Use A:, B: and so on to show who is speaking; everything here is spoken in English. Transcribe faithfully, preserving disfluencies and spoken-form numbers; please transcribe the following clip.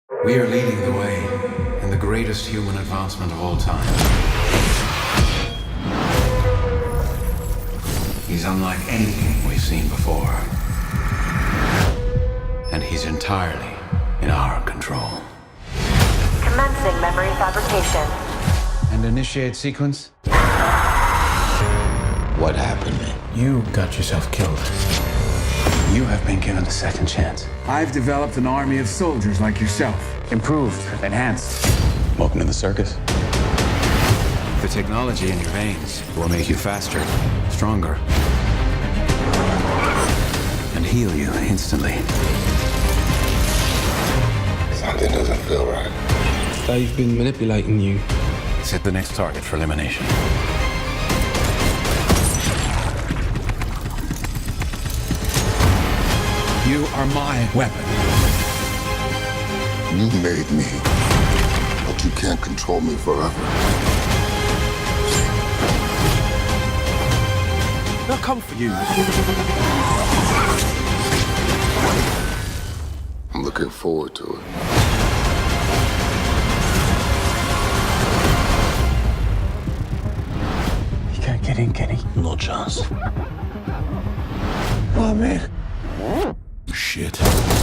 A: We are leading the way in the greatest human advancement of all time. He's unlike anything we've seen before. And he's entirely in our control.
B: Commencing memory fabrication.
A: And initiate sequence?
C: What happened?
A: You got yourself killed. You have been given a second chance.
D: I've developed an army of soldiers like yourself. Improved, enhanced.
C: Welcome to the circus.
A: The technology in your veins will make you faster, stronger, and heal you instantly.
C: Something doesn't feel right.
E: They've been manipulating you.
A: Set the next target for elimination. You are my weapon.
F: You made me, but you can't control me forever.
D: They'll come for you.
F: I'm looking forward to it.
D: You can't get in, Kenny.
C: No chance.
D: Oh, man.
A: Shit.